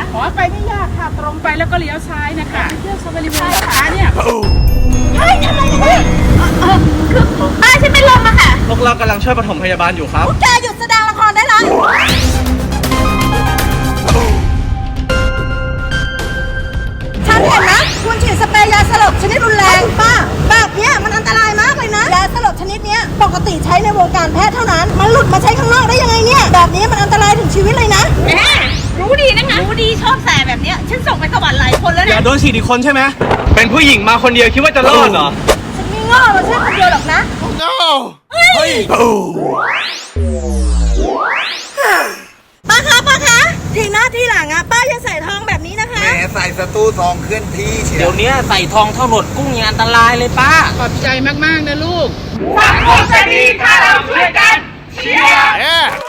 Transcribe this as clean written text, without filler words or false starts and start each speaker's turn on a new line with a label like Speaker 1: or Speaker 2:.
Speaker 1: ขอไปไม่ยากค่ะตรงไปแล้วก็เลี้ยวซ้ายนะคะเที่ยวซาฟารีเวิลด์นะคะเนี่ย
Speaker 2: เฮ้ยทำอะไรกันเนี่ยคือป้าฉันไม่ลงอะค่ะ
Speaker 3: พวกเรากำลังช่วยปฐมพยาบาลอยู่ครับ
Speaker 2: พวกแกหยุดแสดงละครได้แล้วฉันเห็นนะคุณฉีดสเปรย์ยาสลบชนิดรุนแรงป้าแบบเนี้ยมันอันตรายมากเลยนะยาสลบชนิดเนี้ยปกติใช้ในวงการแพทย์เท่านั้นมันหลุดมาใช้ข้างนอกได้ยังไงเนี่ยแบบนี้มันอันตรายถึงชีวิตเลยนะแม่รู้ดีนะคะรู้ดีชอบแสบแบบเนี้ยฉันส่งไปสวรรค์หลายคนแล้ว
Speaker 3: อ
Speaker 2: เนี่ย
Speaker 3: ย่าโดนฉีดอีกคนใช่ไหม เป็นผู้หญิงมาคนเดียวคิดว่าจะรอดเหรอ
Speaker 2: ฉันไม่โง่มาช่วยคนเดียวหรอกนะ
Speaker 3: เฮ้ย
Speaker 2: ป้าคะทีหน้าที่หลังอะป้าอย่าใส่ทองแบบนี้นะคะ
Speaker 4: แหมใส่สตูทองเคลื่อนที่เชีย
Speaker 5: เดี๋ยว วนี้ใส่ทองเท่าหนวดกุ้งยังอันตรายเลยป้า
Speaker 1: ขอบใจมากๆนะลูก
Speaker 3: สังคมจะดีถ้าเราช่วยกันเชียร์